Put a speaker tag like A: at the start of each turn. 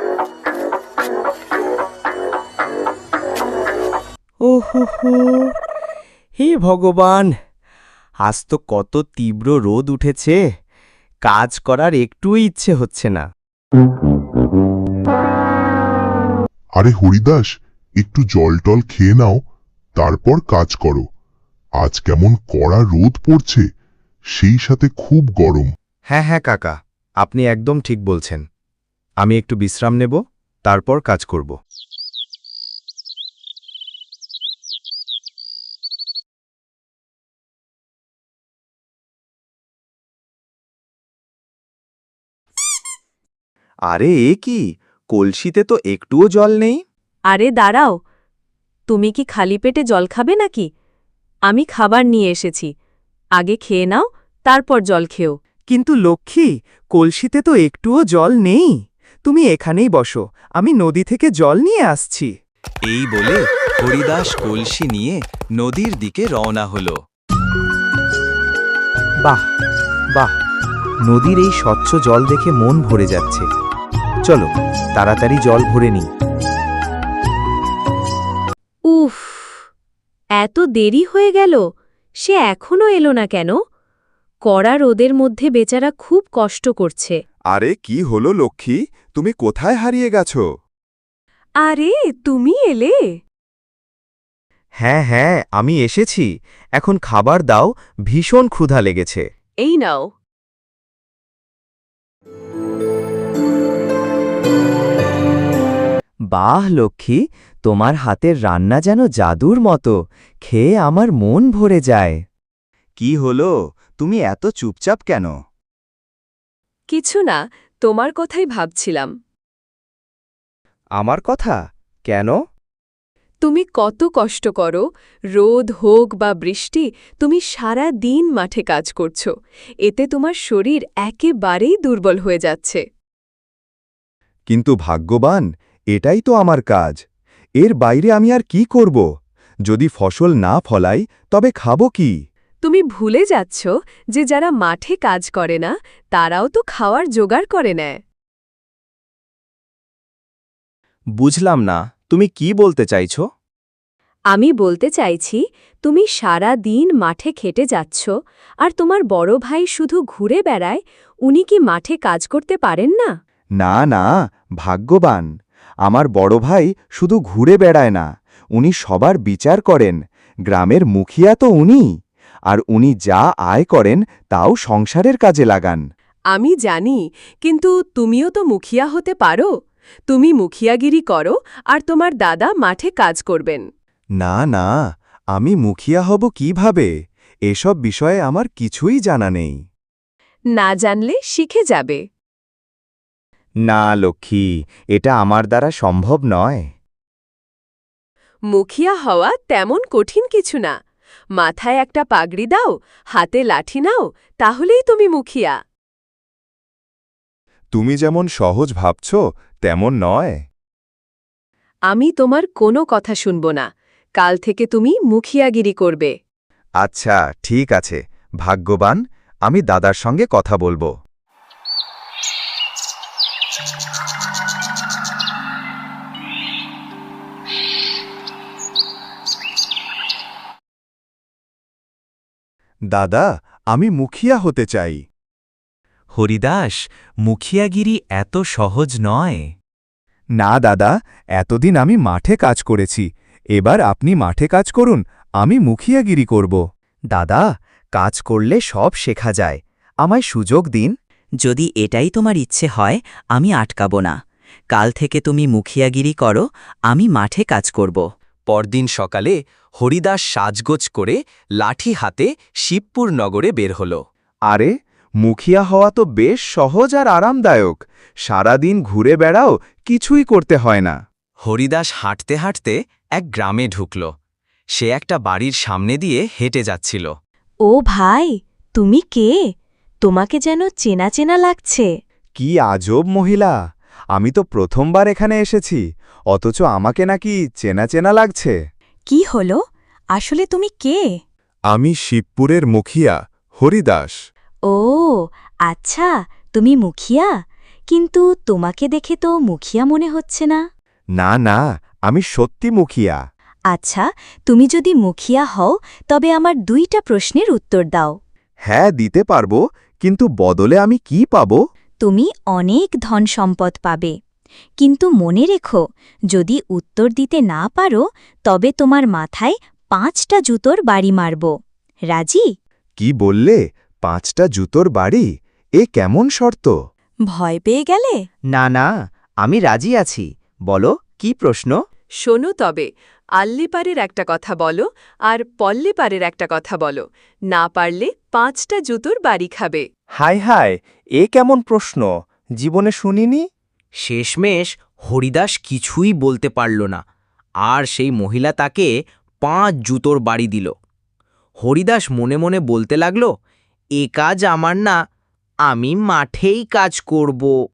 A: ওহো, হে ভগবান, আজ তো কত তীব্র রোদ উঠেছে, কাজ করার একটুও ইচ্ছে হচ্ছে না।
B: আরে হরিদাস, একটু জল টল খেয়ে নাও, তারপর কাজ করো। আজ কেমন কড়া রোদ পড়ছে, সেই সাথে খুব গরম।
C: হ্যাঁ হ্যাঁ কাকা, আপনি একদম ঠিক বলছেন। আমি একটু বিশ্রাম নেব, তারপর কাজ করব। আরে এ কি, কলসিতে তো একটুও জল নেই।
D: আরে দাঁড়াও, তুমি কি খালি পেটে জল খাবে নাকি? আমি খাবার নিয়ে এসেছি, আগে খেয়ে নাও, তারপর জল খেও।
A: কিন্তু লক্ষ্মী, কলসিতে তো একটুও জল নেই। তুমি এখানেই বসো, আমি নদী থেকে জল নিয়ে আসছি।
E: এই বলে হরিদাস কলসি নিয়ে নদীর দিকে রওনা হলো।
C: বাহ বাহ, নদীর এই স্বচ্ছ জল দেখে মন ভরে যাচ্ছে। চলো তাড়াতাড়ি জল ভরে নিই।
D: উফ, এত দেরি হয়ে গেল, সে এখনো এলো না কেন? কড়া রোদের মধ্যে বেচারা খুব কষ্ট করছে।
F: আরে কি হলো লক্ষ্মী, তুমি কোথায় হারিয়ে গেছো?
D: আরে তুমি এলে?
C: হ্যাঁ হ্যাঁ, আমি এসেছি। এখন খাবার দাও, ভীষণ ক্ষুধা লেগেছে।
D: এই নাও।
A: বাহ লক্ষ্মী, তোমার হাতের রান্না যেন জাদুর মতো, খেয়ে আমার মন ভরে যায়।
C: কি হলো, তুমি এত চুপচাপ কেন?
D: কিছু না, তোমার কথাই ভাবছিলাম।
C: আমার কথা কেন?
D: তুমি কত কষ্ট করো, রোদ হোক বা বৃষ্টি, তুমি সারা দিন মাঠে কাজ করছো। এতে তোমার শরীর একেবারেই দুর্বল হয়ে যাচ্ছে।
F: কিন্তু ভাগ্যবান, এটাই তো আমার কাজ। এর বাইরে আমি আর কি করব? যদি ফসল না ফলাই তবে খাবো কি?
D: তুমি ভুলে যাচ্ছ যে যারা মাঠে কাজ করে না, তারাও তো খাওয়ার জোগাড় করে নেয়।
C: বুঝলাম না, তুমি কি বলতে চাইছো?
D: আমি বলতে চাইছি, তুমি সারা দিন মাঠে খেটে যাচ্ছ, আর তোমার বড় ভাই শুধু ঘুরে বেড়ায়, উনি কি মাঠে কাজ করতে পারেন না?
F: না না, ভাগ্যবান, আমার বড় ভাই শুধু ঘুরে বেড়ায় না, উনি সবার বিচার করেন। গ্রামের মুখিয়া তো উনি, আর উনি যা আয় করেন তাও সংসারের কাজে লাগান।
D: আমি জানি, কিন্তু তুমিও তো মুখিয়া হতে পারো। তুমি মুখিয়াগিরি করো, আর তোমার দাদা মাঠে কাজ করবেন।
F: না না, আমি মুখিয়া হব কিভাবে? এসব বিষয়ে আমার কিছুই জানা নেই।
D: না জানলে শিখে যাবে।
C: না লক্ষ্মী, এটা আমার দ্বারা সম্ভব নয়।
D: মুখিয়া হওয়া তেমন কঠিন কিছু না। মাথায় একটা পাগড়ি দাও, হাতে লাঠি নাও, তাহলেই তুমি মুখিয়া।
F: তুমি যেমন সহজ ভাবছ তেমন নয়।
D: আমি তোমার কোনো কথা শুনব না। কাল থেকে তুমি মুখিয়াগিরি করবে।
F: আচ্ছা ঠিক আছে, ভাগ্যবান, আমি দাদার সঙ্গে কথা বলবো। দাদা, আমি মুখিয়া হতে চাই।
E: হরিদাস, মুখিয়াগিরি এত সহজ নয়।
F: না দাদা, এতদিন আমি মাঠে কাজ করেছি, এবার আপনি মাঠে কাজ করুন, আমি মুখিয়াগিরি করব।
C: দাদা, কাজ করলে সব শেখা যায়, আমায় সুযোগ দিন।
G: যদি এটাই তোমার ইচ্ছে হয়, আমি আটকাব না। কাল থেকে তুমি মুখিয়াগিরি করো, আমি মাঠে কাজ করব।
E: পরদিন সকালে হরিদাস সাজগোজ করে লাঠি হাতে শিবপুর নগরে বের হল।
F: আরে, মুখিয়া হওয়া তো বেশ সহজ আর আরামদায়ক। সারাদিন ঘুরে বেড়াও, কিছুই করতে হয় না।
E: হরিদাস হাঁটতে হাঁটতে এক গ্রামে ঢুকল। সে একটা বাড়ির সামনে দিয়ে হেঁটে যাচ্ছিল।
D: ও ভাই, তুমি কে? তোমাকে যেন চেনা চেনা লাগছে।
F: কি আজব মহিলা, আমি তো প্রথমবার এখানে এসেছি, অথচ আমাকে নাকি চেনা চেনা লাগছে।
D: কি হলো? আসলে তুমি কে?
F: আমি শিবপুরের মুখিয়া, হরিদাস।
D: ও আচ্ছা, তুমি মুখিয়া।
H: কিন্তু তোমাকে দেখে তো মুখিয়া মনে হচ্ছে না।
F: না না, আমি সত্যি মুখিয়া।
H: আচ্ছা, তুমি যদি মুখিয়া হও তবে আমার 2টা প্রশ্নের উত্তর দাও।
F: হ্যাঁ, দিতে পারবো, কিন্তু বদলে আমি কি পাবো?
H: তুমি অনেক ধন সম্পদ পাবে, কিন্তু মনে রেখো, যদি উত্তর দিতে না পারো তবে তোমার মাথায় 5টা জুতোর বাড়ি মারব। রাজি?
F: কি বললে? 5টা জুতোর বাড়ি? এ কেমন শর্ত?
H: ভয় পেয়ে গেলে?
C: না না, আমি রাজি আছি। বলো, কি প্রশ্ন?
D: শোনো তবে, আল্লিপারের একটা কথা বলো আর পল্লিপারের একটা কথা বলো। না পারলে 5টা জুতোর বাড়ি খাবে।
C: হায় হায়, এ কেমন প্রশ্ন? জীবনে শুনিনি।
E: শেষমেশ হরিদাস কিছুই বলতে পারল না, আর সেই মহিলা তাকে 5 জুতোর বাড়ি দিল। হরিদাস মনে মনে বলতে লাগল, এ কাজ আমার না, আমি মাঠেই কাজ করব।